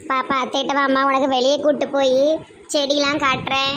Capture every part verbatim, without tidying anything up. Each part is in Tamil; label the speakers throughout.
Speaker 1: பாப்பா அத்தைட்ட வாம்மா, உனக்கு வெளியே கூட்டு போய் செடியெல்லாம் காட்டுறேன்.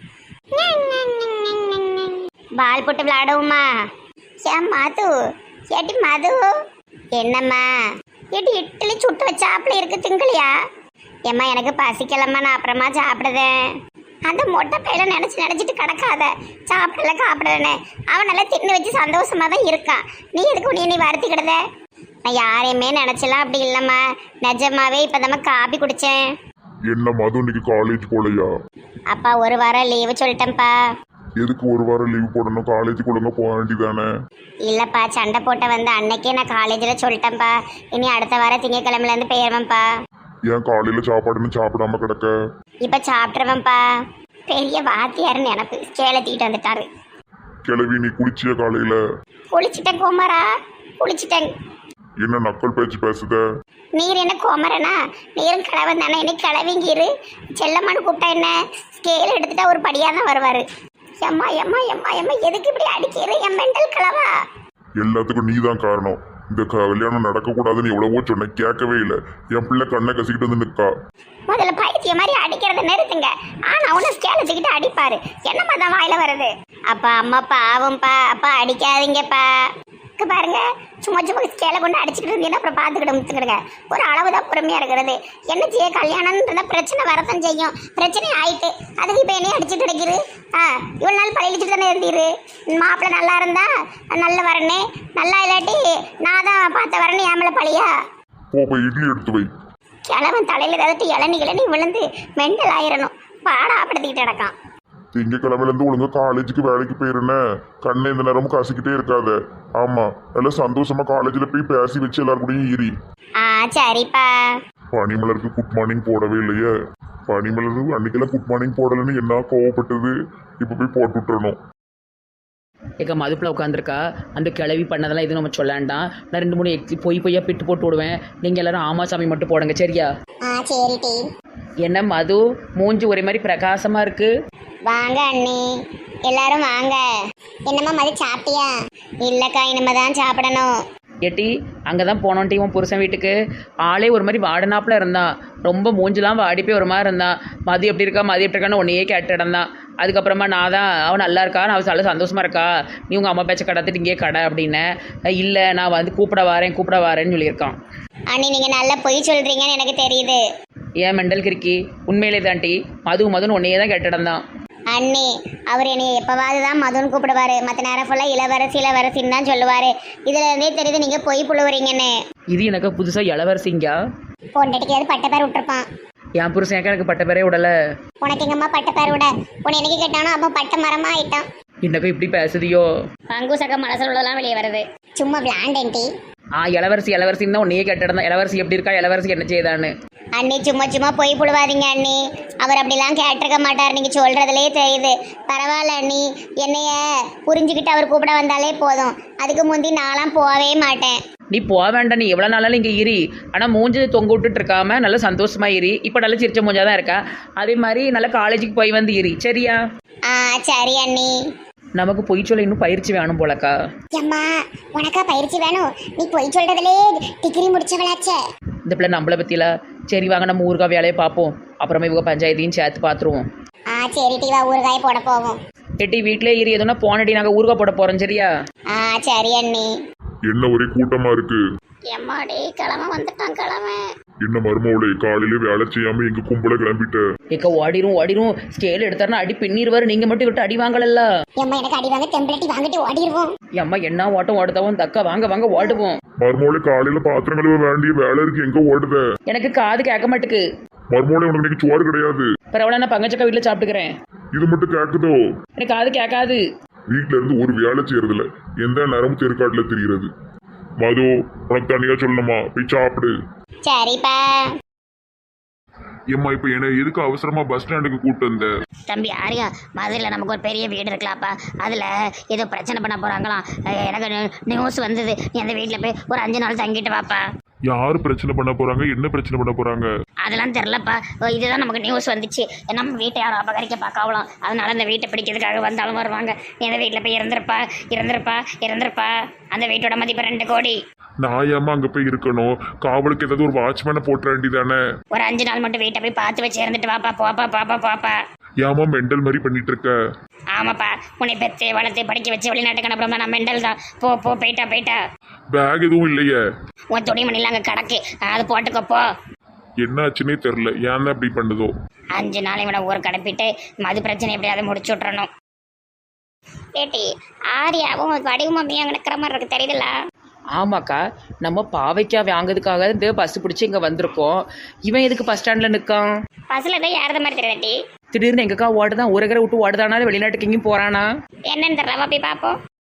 Speaker 1: பால் போட்டு விளையாடுவோமா? ஏன் மது, ஏட்டி மது, என்னம்மா ஏட்டி இட்லி சுட்டு வச்ச ஆப்பிள் இருக்கு, திங்கலையா? ஏம்மா எனக்கு பசிக்கலம்மா, நான் அப்புறமா சாப்பிடுதேன். அந்த மொட்டை பையில நினைச்சு நினைச்சிட்டு கிடக்காத, சாப்பிடல சாப்பிடலன்னு. அவன் நல்லா தின்னு வச்சு சந்தோஷமா தான் இருக்கான். நீ எதுக்கு உன்னை நீ வருத்திக்கிடுத? நான் யாரையுமே நினைச்சலாம் அப்படி இல்லம்மா, நிஜமாவே இப்பதாம்மா காபி குடிச்சேன்.
Speaker 2: என்ன மது, இன்னைக்கு காலேஜ் போலையா?
Speaker 1: அப்பா ஒரு வாரம் லீவு சொல்லிட்டேன்ப்பா.
Speaker 2: எதுக்கு ஒரு வாரம் லீவ் போடணும்? காலேஜுக்கு ஒழுங்கா போக வேண்டியதானே?
Speaker 1: இல்லப்பா, சண்டை போட்ட வந்து அன்னைக்கே நான் காலேஜில் சொல்லிட்டேன்ப்பா. இனி அடுத்த வாரம் திங்கக்கிழமைல இருந்து போயிருவேன்ப்பா.
Speaker 2: ஏன் காலையில சாப்பாடுன்னு சாப்பிடாம கிடக்க?
Speaker 1: இப்ப சாப்பிட்டுருவேன்ப்பா. பெரிய வாத்தியார் நினப்பு ஸ்கேலை தூக்கிட்டு வந்துட்டாரு.
Speaker 2: கிளவி, நீ குளிச்சிய காலையில?
Speaker 1: குளிச்சுட்டேன் கோமரா, குளிச்சுட்டேன்.
Speaker 2: என்ன நக்கல் பேச்சு பேசுத?
Speaker 1: நீர் என்ன கோமரனா? நீரும் கிழவன் தானே, என்ன கிளவிங்கிரு. செல்லம்மான்னு கூப்பிட்டா என்ன? ஸ்கேல் எடுத்துட்டா ஒரு படியாக தான் வருவார். எம்மா எம்மா எம்மா எம்மா, எதுக்கு இப்படி அடிக்கிற என் மெண்டல் கிழவா?
Speaker 2: எல்லாத்துக்கும் நீ தான் காரணம். இந்த கல்யாணம் நடக்கக்கூடாதுன்னு எவ்வளவோ சொன்னேன், கேட்கவே இல்லை. என் பிள்ளை கண்ணை கசிக்கிட்டு வந்து நிற்கா.
Speaker 1: முதல்ல பைத்திய மாதிரி அடிக்கிறத நிறுத்துங்க. ஆனா அவனை ஸ்கேல தூக்கிட்டு அடிப்பாரு. என்னம்மா தான் வாயில வருது? அப்பா அம்மா பாவம்ப்பா, அப்பா அடிக்காதீங்கப்பா. பாருங்க, சும்மா சும்மா ஸ்கேல கொண்டு அடிச்சுட்டு இருந்தீங்கன்னா அப்புறம் பார்த்துக்கிட்டு முத்துக்கிடுங்க. ஒரு அளவுதான் பொறுமையா இருக்கிறது. என்ன செய்ய, கல்யாணம்ன்றத பிரச்சனை வரத்தான் செய்யும். பிரச்சனை ஆயிட்டு அதுக்கு இப்ப என்னையும் அடிச்சுட்டு கிடைக்கிது. ஆ இவ்வளவு நாள் பழகிச்சுட்டு தானே இருந்தீரு. மாப்பிள்ளை நல்லா இருந்தா நல்ல வரனே, நல்லா இல்லாட்டி நான் தான் பார்த்த வரனே என் மேல பழியா?
Speaker 2: போய் இட்லி எடுத்து வை.
Speaker 1: கிழவன் தலையில ஏதாட்டு இளநி இளநி விழுந்து மெண்டல் ஆயிரணும். பாடாப்படுத்திக்கிட்டு கிடக்கான்.
Speaker 2: திங்கக்கிழமையில இருந்து ஒழுங்கா காலேஜுக்கு வேலைக்கு போயிருந்த கண்ணை இந்த நேரமும் கசிக்கிட்டே இருக்காத. ஆமா, நல்லா சந்தோஷமா காலேஜ்ல போய் பேசி வச்சு எல்லாரும் கூடயும் ஈரி.
Speaker 1: ஆ சரிப்பா.
Speaker 2: பனிமலருக்கு குட் மார்னிங் போடவே இல்லையே. பனிமலருக்கு அன்னைக்கெல்லாம் குட் மார்னிங் போடலன்னு என்ன கோவப்பட்டது. இப்ப போய் போட்டு விட்டுறணும்.
Speaker 3: எங்கள் மதுப்பில் உட்காந்துருக்கா. அந்த கிளவி பண்ணதெல்லாம் எதுவும் நம்ம சொல்லாண்டாம். நான் ரெண்டு மூணு எக்ஸி பொய் பொய்யா பிட்டு போட்டு விடுவேன். நீங்கள் எல்லாரும் ஆமா சாமி மட்டும் போடுங்க, சரியா?
Speaker 1: ஆ சரி டி.
Speaker 3: என்ன மது, மூஞ்சி ஒரே மாதிரி பிரகாசமாக இருக்கு.
Speaker 1: வாங்க அண்ணி, எல்லாரும் வாங்க. என்னம்மா மதி, சாப்பிட்டியா? இல்லக்கா, இனிமே தான் சாப்பிடணும்.
Speaker 3: ஏட்டி அங்கே தான் போனோன்ட்டி உன் புருஷன் வீட்டுக்கு. ஆளே ஒரு மாதிரி வாடனாப்பில் இருந்தான். ரொம்ப மூஞ்சிலாம் வாடி போய் ஒரு மாதிரி இருந்தான். மதி எப்படி இருக்கா மதி எப்படி இருக்கான்னு உன்னையே கேட்டு இடந்தான். அதுக்கப்புறமா நான் தான் அவன் நல்லா இருக்கா, நான் நல்ல சந்தோஷமாக இருக்கா, நீ உங்கள் அம்மா பேச்சை கடத்திட்டு இங்கே கடை அப்படின்னேன். இல்லை நான் வந்து கூப்பிட வரேன் கூப்பிட வரேன்னு சொல்லியிருக்கான்.
Speaker 1: அண்ணி நீங்கள் நல்லா பொய் சொல்கிறீங்கன்னு எனக்கு தெரியுது.
Speaker 3: ஏன் மெண்டல் கிறுக்கி, உண்மையிலே தான்ட்டி மது மதுன்னு உன்னையே தான் கேட்டு இடந்தான்.
Speaker 1: அண்ணி அவர் என்னைய எப்பவாவது தான் மதுன்னு கூப்பிடுவாரு. மற்ற நேரம் ஃபுல்லாக இளவரசி இளவரசின்னு தான் சொல்லுவார். இதுல இருந்தே தெரியுது நீங்கள் பொய் புழுவுறீங்கன்னு.
Speaker 3: இது எனக்கு புதுசாக இளவரசிங்கா?
Speaker 1: பொண்டாட்டிக்கு ஏதாவது பட்ட பேர் விட்டுருப்பான்.
Speaker 3: என் புருஷன் ஏக்கா எனக்கு பட்ட பேரே விடலை.
Speaker 1: உனக்கு எங்கம்மா பட்ட பேர் விட? உன்னை என்னைக்கு கேட்டானோ அப்போ பட்ட மரமா ஆயிட்டான்.
Speaker 3: என்னக்கா இப்படி பேசுதியோ?
Speaker 1: பங்குசக்க மனசில் உள்ளதெல்லாம் வெளியே வருது. சும்மா விளாண்டேன்டி.
Speaker 3: ஆ இளவரசி இளவரசின்னு தான் உன்னையே கேட்டிருந்தான். இளவரசி எப்படி இருக்கா, இளவரசி என்ன செய்தான்னு.
Speaker 1: அண்ணி சும்மா சும்மா பொய் புழுவாதீங்க அண்ணி. அவர் அப்படிலாம் கேட்டிருக்க மாட்டார், நீங்கள் சொல்கிறதுலே தெரியுது. பரவாயில்ல அண்ணி, என்னைய புரிஞ்சுக்கிட்டு அவர் கூப்பிட வந்தாலே போதும். அதுக்கு முந்தி நான்லாம் போகவே மாட்டேன்.
Speaker 3: நீ போக வேண்டாம், நீ எவ்வளோ நாளாலும் இங்கே இரு. ஆனால் மூஞ்சி தொங்க விட்டுட்டு இருக்காம நல்லா சந்தோஷமா இரு. இப்போ நல்லா சிரிச்ச மூஞ்சா தான் இருக்கா. அதே மாதிரி நல்லா காலேஜுக்கு போய் வந்து இரு, சரியா?
Speaker 1: ஆ சரி அண்ணி.
Speaker 3: நமக்கு பொய் சொல்ல இன்னும் பயிற்சி வேணும் போலக்கா.
Speaker 1: அம்மா உனக்கா பயிற்சி வேணும்? நீ பொய் சொல்றதுலே டிகிரி முடிச்சவளாச்சே.
Speaker 3: இந்த பிள்ளை நம்மளை பற்றியில. சரி வாங்க நம்ம ஊருக்கா வேலையை பார்ப்போம். அப்புறமா இவங்க பஞ்சாயத்தையும் சேர்த்து பார்த்துருவோம்.
Speaker 1: ஆ சரி டி, வா ஊறுகாய போட போவோம்.
Speaker 3: எட்டி வீட்டிலே இரு, எதுனா போனடி நாங்கள் ஊருக்கா போட போகிறோம், சரியா?
Speaker 1: ஆ சரி அண்ணி.
Speaker 2: என்ன ஒரே கூட்டமா இருக்கு?
Speaker 1: எம்மாடி கிழமை வந்துட்டான் கிழமை.
Speaker 2: என்ன மருமவளே, காலையில வேலை செய்யாம எங்க கும்பல கிளம்பிட்ட?
Speaker 3: ஏக்கா ஓடிரும் ஓடிரும். ஸ்கேல் எடுத்தாருன்னா அடி பின்னிடுவார். நீங்கள் மட்டும் விட்டு அடி வாங்கலல்ல.
Speaker 1: எம்மா எனக்கு அடி வாங்க டெம்ப்ளேட்டி வாங்கிட்டு ஓடிடுவோம்.
Speaker 3: அம்மா என்ன ஓட்டம் ஓடுதவும் தக்கா, வாங்க வாங்க ஓடுவோம்.
Speaker 2: மருமவளே, காலையில பாத்திரம் கழுவ வேண்டிய வேலை இருக்கு, எங்க ஓடுத?
Speaker 3: எனக்கு காது கேட்க மாட்டுக்கு.
Speaker 2: மருமவளே, உனக்கு இன்னைக்கு சோறு கிடையாது.
Speaker 3: பரவாயில்ல, நான் பங்கச்சக்கா வீட்டில் சாப்பிட்டுக்கிறேன்.
Speaker 2: இது மட்டும் கேக்குதோ?
Speaker 3: எனக்கு காது கேட்காது.
Speaker 2: வீட்டுல இருந்து ஒரு வேலை செய்யறதுல எந்த நேரமும் தெருக்காட்டுல தெரிகிறது. மது, உனக்கு தனியா சொல்லணுமா? போய் சாப்பிடு.
Speaker 1: சரிப்பா.
Speaker 2: ஏம்மா இப்ப என்ன எதுக்கு அவசரமா பஸ் ஸ்டாண்டுக்கு கூட்டு வந்த?
Speaker 1: தம்பி ஆரியா, மதுரையில் நமக்கு ஒரு பெரிய வீடு இருக்கலாப்பா. அதில் ஏதோ பிரச்சனை பண்ண போகிறாங்களாம். எனக்கு நியூஸ் வந்தது. நீ அந்த வீட்டில் போய் ஒரு அஞ்சு நாள் தங்கிட்டு வாப்பா.
Speaker 2: யாரு பிரச்சனை பண்ண போறாங்க? என்ன பிரச்சனை பண்ண போறாங்க?
Speaker 1: அதெல்லாம் தெரிலப்பா. இதுதான் நமக்கு நியூஸ் வந்துச்சு. நம்ம வீட்டை யாரும் அபகரிக்க பார்க்கலாம். அதனால அந்த வீட்டை பிடிக்கிறதுக்காக வந்தாலும் வருவாங்க. நீ அந்த வீட்டில் போய் இறந்துருப்பா இறந்துருப்பா இறந்துருப்பா. அந்த வீட்டோட மதிப்பு ரெண்டு கோடி.
Speaker 2: நான் ஏமா அங்க போய் இருக்கணும்? காவலுக்கு ஏதாவது ஒரு வாட்ச்மேனை போட்டுற வேண்டியதானே?
Speaker 1: ஒரு அஞ்சு நாள் மட்டும் வீட்டை போய் பார்த்து வச்சு இருந்துட்டு வாப்பா போப்பா பாப்பா பாப்பா.
Speaker 2: ஏமா மெண்டல் மாதிரி பண்ணிட்டு இருக்க?
Speaker 1: ஆமாப்பா, உன்னை பெத்து வளர்த்து படிக்க வச்சு வெளிநாட்டுக்கு அனுப்புறோம்னா நான் மெண்டல் தான். போ போ போயிட்டா போயிட்டா.
Speaker 2: பேக் எதுவும் இல்லையே?
Speaker 1: உன் துணிமணிலாம் அங்கே கிடக்கு, அது போட்டுக்கப்போ.
Speaker 2: என்ன ஆச்சுன்னே தெரில, ஏன் தான் இப்படி பண்ணுதோ?
Speaker 1: அஞ்சு நாள் இவனை ஊருக்கு அனுப்பிட்டு மது பிரச்சனை எப்படியாவது முடிச்சு விட்றணும். ஏட்டி ஆரியாவும் வடிவு மம்மியும் அங்கே நிற்கிற மாதிரி இருக்கு, தெரியுதுல்ல?
Speaker 3: ஆமாக்கா, நம்ம பாவைக்காய் வாங்குறதுக்காக இந்த பஸ் பிடிச்சி இங்கே வந்திருக்கோம். இவன் எதுக்கு பஸ் ஸ்டாண்டில் நிற்கான்?
Speaker 1: பஸ்ஸில் தான் ஏறத மாதிரி தெரியாட்டி.
Speaker 3: திடீர்னு எங்கக்கா ஓடுதான், ஊரகரை விட்டு ஓடுதானா, வெளிநாட்டுக்கு எங்கேயும் போகிறானா?
Speaker 1: என்னன்னு தெரியல, போய் பார்ப்போம்.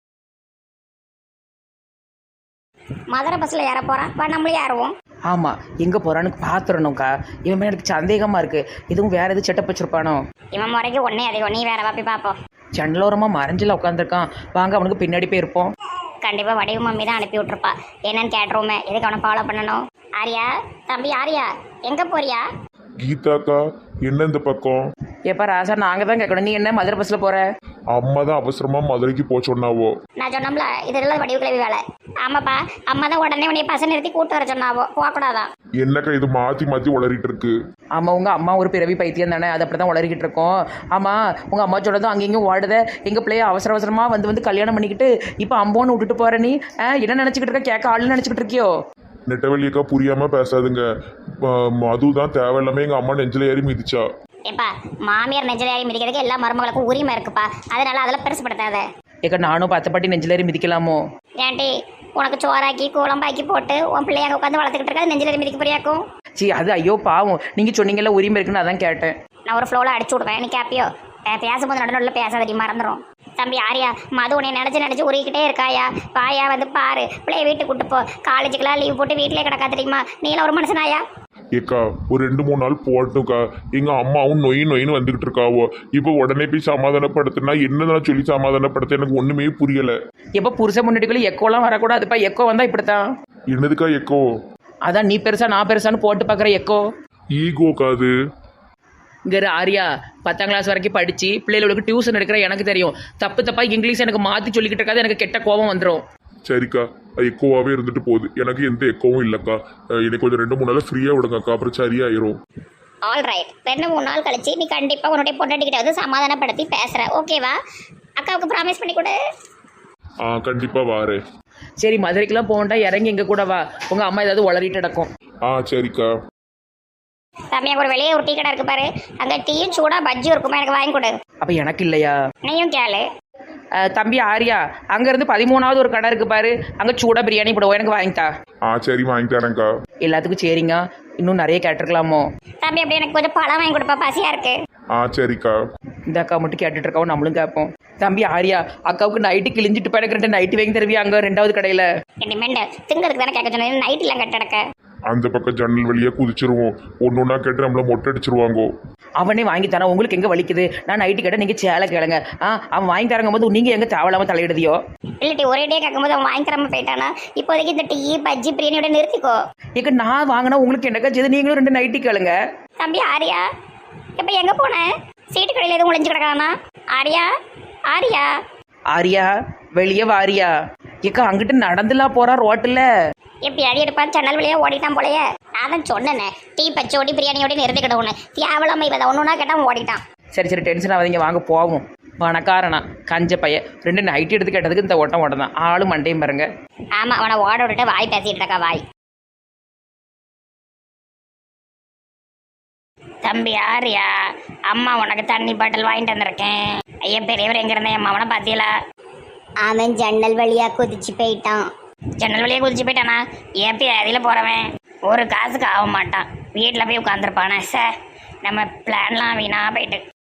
Speaker 1: மதுரை பஸ்ஸில் ஏற போகிறான், வா நம்மளும் ஏறுவோம்.
Speaker 3: ஆமாம், எங்கே போகிறான்னு பார்த்துடணும்க்கா. இவன் மேலே எனக்கு சந்தேகமாக இருக்குது. இதுவும் வேறு எதுவும் செட்டப் வச்சுருப்பானோ?
Speaker 1: இவன் முறைக்கு ஒன்றே அதிகம், நீ வேற வா போய் பார்ப்போம்.
Speaker 3: ஜன்னலோரமாக மறைஞ்சில் உட்காந்துருக்கான். வாங்க அவனுக்கு பின்னாடி போயிருப்போம்.
Speaker 1: கண்டிப்பாக வடிவு மம்மி தான் அனுப்பி விட்ருப்பா. என்னன்னு கேட்டுருவோமே, எதுக்கு அவனை ஃபாலோ பண்ணணும்? ஆரியா தம்பி, ஆரியா எங்கே போறியா?
Speaker 2: கீதாக்கா, என்ன இந்த பக்கம்?
Speaker 3: எப்போ ராசா, நாங்கள் தான் கேட்கணும். நீ என்ன மதுரை பஸ்ஸில் போகிற?
Speaker 2: அம்மா தான் அவசரமா மதுரைக்கு போக சொன்னாவோ.
Speaker 1: நான் சொன்னோம்ல, இதெல்லாம் வடிவு கிளவி வேலை. ஆமாப்பா, அம்மா தான் உடனே உன்னைய பசங்க நிறுத்தி கூட்டு வர சொன்னாவோ, போகக்கூடாதான்.
Speaker 2: என்னக்கா இது மாத்தி மாத்தி உளறிட்டு இருக்கு?
Speaker 3: ஆமாம், உங்கள் அம்மா ஒரு பிறவி பைத்தியம் தானே, அது அப்படி தான் உளறிக்கிட்டு இருக்கோம். ஆமாம், உங்கள் அம்மா சொன்னதும் அங்கேயும் ஓடுத. எங்கள் பிள்ளைய அவசர அவசரமாக வந்து வந்து கல்யாணம் பண்ணிக்கிட்டு இப்போ அம்போன்னு விட்டுட்டு போகிற நீ என்ன நினச்சிக்கிட்டு இருக்க? கேட்க ஆளுன்னு நினச்சிக்கிட்டு இருக்கியோ?
Speaker 2: நெட்டவெளியக்கா, புரியாம பேசாதுங்க. அதுதான் தேவையில்லாம எங்க அம்மா நெஞ்சில ஏறி மிதிச்சா.
Speaker 1: ஏப்பா, மாமியார் நெஞ்சலாரி மிதிக்கிறதுக்கு எல்லா மருமகளுக்கும் உரிமை இருக்குப்பா, அதனால அதெல்லாம் பெருசுப்படுத்தாத.
Speaker 3: ஏக்கா, நானும் பத்து பாட்டி நெஞ்சிலேறி மிதிக்கலாமோ?
Speaker 1: ஏன்டி, உனக்கு சோறாக்கி குழம்பாக்கி போட்டு உன் பிள்ளைய உட்காந்து வளர்த்துக்கிட்டு இருக்கா, நெஞ்சிலேறி மிதிக்க போறியாக்கும்?
Speaker 3: சி, அது ஐயோ பாவம். நீங்கள் சொன்னீங்கல்ல உரிமை இருக்குன்னு அதான் கேட்டேன்.
Speaker 1: நான் ஒரு ஃப்ளோவில் அடிச்சு விடுவேன், நீ கேப்பியோ? பேசும்போது நடுநடுல பேசாதடி, மறந்துடும். தம்பி ஆரியா, மது உன்னை நினச்சி நினச்சி உருகிக்கிட்டே இருக்காயா? பாயா வந்து பாரு, பிள்ளைய வீட்டுக்கு கூட்டு போ. காலேஜுக்கெல்லாம் லீவ் போட்டு வீட்டிலே கிடக்கா, தெரியுமா? நீலாம் ஒரு மனுஷனாயா?
Speaker 2: ஏக்கா, ஒரு ரெண்டு மூணு நாள் போட்டுக்கா. எங்க அம்மாவும் நொய் நொயின்னு வந்துகிட்டு இருக்காவோ. இப்போ உடனே போய் சமாதானப்படுத்தினா என்னதான் சொல்லி சமாதானப்படுத்த எனக்கு ஒண்ணுமே புரியல.
Speaker 3: எப்போ புருஷன் முன்னாடிக்குள்ள எக்கோலாம் வரக்கூடாதுப்பா. எக்கோ வந்தா இப்படித்தான்.
Speaker 2: என்னதுக்கா எக்கோ?
Speaker 3: அதான் நீ பெருசா நான் பெருசான்னு போட்டு பார்க்குற எக்கோ.
Speaker 2: ஈகோக்கா அது?
Speaker 3: இங்கே ஆரியா பத்தாம் கிளாஸ் வரைக்கும் படித்து பிள்ளைகளுக்கு டியூஷன் எடுக்கிற எனக்கு தெரியும். தப்பு தப்பாக இங்கிலீஷ் எனக்கு மாற்றி சொல்லிக்கிட்டு இருக்காது, எனக்கு கெட்ட கோபம் வந்துடும்.
Speaker 2: சரிக்கா, அது எக்கோவாகவே இருந்துட்டு போகுது. எனக்கு எந்த எக்கோவும் இல்லைக்கா. எனக்கு கொஞ்சம் ரெண்டு மூணு நாள் ஃப்ரீயாக விடுங்கக்கா, அப்புறம் சரியாயிரும்.
Speaker 1: ஆல் ரைட், ரெண்டு மூணு நாள் கழிச்சு நீ கண்டிப்பாக உன்னுடைய பொண்டாட்டிக்கிட்ட வந்து சமாதானப்படுத்தி பேசுகிற, ஓகேவா? அக்காவுக்கு ப்ராமிஸ் பண்ணி கொடு.
Speaker 2: ஆ, கண்டிப்பாக வாரேன்.
Speaker 3: சரி, மதுரைக்கெல்லாம் போகண்டா, இறங்கி எங்கே கூட வா. உங்கள் அம்மா ஏதாவது உளறிட்டு நடக்கும்.
Speaker 2: ஆ, சரிக்கா.
Speaker 1: தம்பியா, ஒரு வெளியே ஒரு டீ கடை இருக்கு பாரு, அங்கே டீயும் சூடா பஜ்ஜியும் இருக்குமா, எனக்கு வாங்கி கொடு.
Speaker 3: அப்போ எனக்கு இல்லையா?
Speaker 1: நீயும் கேளு.
Speaker 3: தம்பி ஆரியா, அங்கேருந்து பதிமூணாவது ஒரு கடை இருக்கு பாரு, அங்கே சூடா பிரியாணி போடுவோம், எனக்கு வாங்கித்தா.
Speaker 2: ஆ, சரி, வாங்கி தரேன்க்கா.
Speaker 3: எல்லாத்துக்கும் சரிங்க, இன்னும் நிறைய கேட்டிருக்கலாமோ?
Speaker 1: தம்பி, அப்படி எனக்கு கொஞ்சம் பழம் வாங்கி கொடுப்பா, பசியா இருக்கு.
Speaker 2: ஆ, சரிக்கா.
Speaker 3: இந்த அக்கா மட்டும் கேட்டுட்டு இருக்கோம், நம்மளும் கேட்போம். தம்பி ஆரியா, அக்காவுக்கு நைட்டு கிழிஞ்சிட்டு போய் எனக்கு ரெண்டு நைட்டு வாங்கி தருவியா அங்கே ரெண்டாவது கடையில்?
Speaker 1: இனிமேல் திங்கிறதுக்கு தானே கேட்க சொன்னேன், நைட் எல்லாம் கட்டடக்க.
Speaker 2: அந்த பக்கம் ஜன்னல் வழியா குதிச்சிருவோம். ஒன்று ஒன்றா கேட்டு நம்மள மொட்டை அடிச்சிருவாங்கோ.
Speaker 3: அவனே வாங்கி தரான், உங்களுக்கு எங்கே வலிக்குது? நான் நைட்டு கேட்டால் நீங்கள் சேலை கேளுங்க. ஆ, அவன் வாங்கி தரங்கும் போது நீங்கள் எங்கே தேவையில்லாமல் தலையிடுதியோ?
Speaker 1: இல்லாட்டி ஒரே டே கேட்கும்போது அவன் வாங்கி தராம போயிட்டானா? இப்போதைக்கு இந்த டீ பஜ்ஜி பிரியாணியோட நிறுத்திக்கோ.
Speaker 3: ஏக்க, நான் வாங்கினா உங்களுக்கு என்னக்கா செய்து? நீங்களும் ரெண்டு நைட்டி கேளுங்க.
Speaker 1: தம்பி ஆரியா, இப்போ எங்கே போனேன்? சீட்டு கடையில் எதுவும் ஒளிஞ்சு கிடக்கானா? ஆரியா, ஆரியா
Speaker 3: ஆரியா, வெளியே வாரியா. ஏக்கா, அங்கிட்டு நடந்துலாம் போறா ரோட்டில்.
Speaker 1: எப்படி அடி எடுப்பான், ஜன்னல் வழியா ஓடிட்டான் போலயே. நான் தான் சொன்னேனே, டீ பச்சோடி பிரியாணியோட நிறுத்திக்கிட்ட ஒன்று தேவலாம இவன் ஒன்று ஒன்றா கேட்டால் ஓடிட்டான்.
Speaker 3: சரி சரி, டென்ஷன் ஆகாதீங்க, வாங்க போவோம். பணக்காரனா கஞ்ச பையன் ரெண்டு நைட்டி எடுத்து கேட்டதுக்கு இந்த ஓட்டம் ஓட்டம் தான். ஆளும் மண்டையும் பாருங்க.
Speaker 1: ஆமாம், அவனை ஓட விட்டுட்டு வாய் பேசிட்டு இருக்கா, வாய். தம்பி ஆரியா, அம்மா உனக்கு தண்ணி பாட்டில் வாங்கிட்டு வந்திருக்கேன். ஐயா பெரியவர் எங்க இருந்தேன், என் அவனை பார்த்தீங்களா? அவன் ஜன்னல் வழியா குதிச்சு போயிட்டான். ஜன்னல் வழியா குதிச்சு போயிட்டானா? ஏப்பி அதில் போறவன் ஒரு காசுக்கு ஆக மாட்டான், வீட்டில் போய் உட்காந்துருப்பானே. சார், நம்ம பிளான்லாம் வீணா போயிட்டு.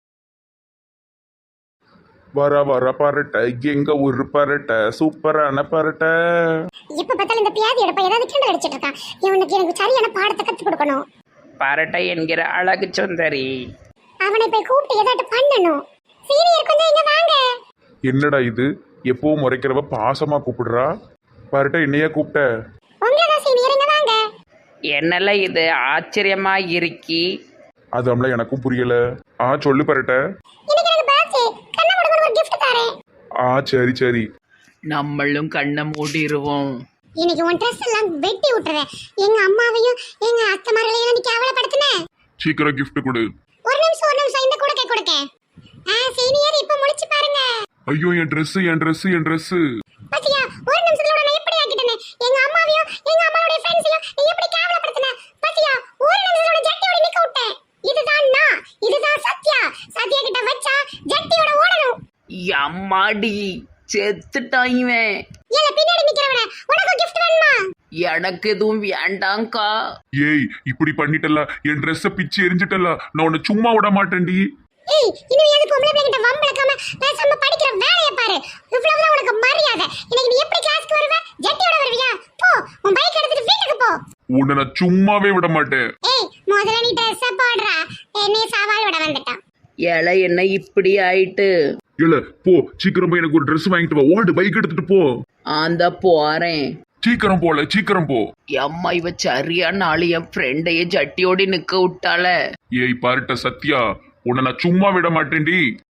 Speaker 2: வர வர பரட்டை, எங்க ஒரு பரட்டை, சூப்பரான பரட்டை.
Speaker 1: இப்ப பார்த்தாலும் இந்த பியாதி எடுப்ப ஏதாவது கிண்டல் அடிச்சிட்டு இருக்கான். இவனுக்கு எனக்கு சரியான பாடத்தை கத்து கொடுக்கணும்.
Speaker 3: பரட்டை என்கிற அழகு சுந்தரி,
Speaker 1: அவனை போய் கூப்பிட்டு ஏதாட்டு பண்ணணும். சீனியர் கொஞ்சம் இங்க வாங்க.
Speaker 2: என்னடா இது, எப்பவும் முறைக்கிறவ பாசமா கூப்பிடுறா. பரட்டை என்னையா கூப்பிட்ட?
Speaker 1: உங்களதான் சீனியர், இங்க வாங்க.
Speaker 3: என்னெல்லாம் இது ஆச்சரியமா இருக்கி?
Speaker 2: அது நம்மள எனக்கும் புரியல. ஆ, சொல்லு பரட்டை.
Speaker 1: இன்னைக்கு எனக்கு பர்த்டே, கண்ணை மூடுங்க, ஒரு gift தரேன்.
Speaker 2: ஆ, சரி சரி.
Speaker 3: நம்மளும் கண்ணை மூடிடுவோம்.
Speaker 1: இன்னைக்கு உன் ட்ரெஸ் எல்லாம் வெட்டி விட்டுறேன். எங்க அம்மாவையும் எங்க அத்தைமார்களையும் நீ கேவலப்படுத்தின.
Speaker 2: சீக்கிரம் gift கொடு.
Speaker 1: ஒரு நிமிஷம் ஒரு நிமிஷம் இந்த கொடுக்க கொடுக்க. ஆ சீனியர் இப்ப முழிச்சு பாருங்க.
Speaker 2: ஐயோ என் Dress என் Dress என் Dress.
Speaker 1: பாத்தியா ஒரு நிமிஷத்துல நான் எப்படி ஆக்கிட்டேனே. எங்க அம்மாவையும் எங்க அம்மாவோட ஃப்ரெண்ட்ஸையும் நீ எப்படி கேவலப்படுத்தின. பாத்தியா ஒரு நிமிஷத்துல ஜட்டியோட நிக்க விட்டேன். இதுதான் நான், இதுதான் சத்யா. சத்யா கிட்ட வச்சா ஜட்டியோட ஓடணும்.
Speaker 3: அம்மாடி செத்துட்டாயிவேன்.
Speaker 1: ஏல பின்னாடி நிக்கிறவனே உனக்கு gift வேணுமா?
Speaker 3: எனக்கு எதுவும் வேண்டாங்க்கா.
Speaker 2: ஏய் இப்படி பண்ணிட்டல என் Dress பிச்சு எரிஞ்சிட்டல நான் உன்னை சும்மா விட மாட்டேன்டி.
Speaker 1: ஏய் இன்னும் எது பொம்பளை பிள்ளை கிட்ட வம்பளக்காம பேசாம படிக்கிற வேலைய பாரு. இவ்வளவுதான் உனக்கு மரியாதை. இன்னைக்கு நீ எப்படி கிளாஸ்க்கு வருவ? ஜட்டியோட வருவியா? போ உன் பைக் எடுத்துட்டு வீட்டுக்கு போ.
Speaker 2: உன்னை நான் சும்மாவே விட மாட்டேன்.
Speaker 1: ஏய் முதல்ல நீ Dress போடுறா. என்னைய சவால் விட வந்துட்டான்.
Speaker 3: ஏல என்ன இப்படி ஆயிட்டு?
Speaker 2: இல்ல போ சீக்கிரம் போய் எனக்கு ஒரு Dress வாங்கிட்டு வா. ஓடு பைக் எடுத்துட்டு போ.
Speaker 3: அந்த போறேன்.
Speaker 2: சீக்கிரம் போல சீக்கிரம் போ.
Speaker 3: அம்மா இவ சரியான ஆளு, என் ஃப்ரெண்டையே ஜட்டியோடி நிக்க விட்டால.
Speaker 2: ஏய் பாருட்ட சத்யா உன்னை நான் சும்மா விட மாட்டேன்டி.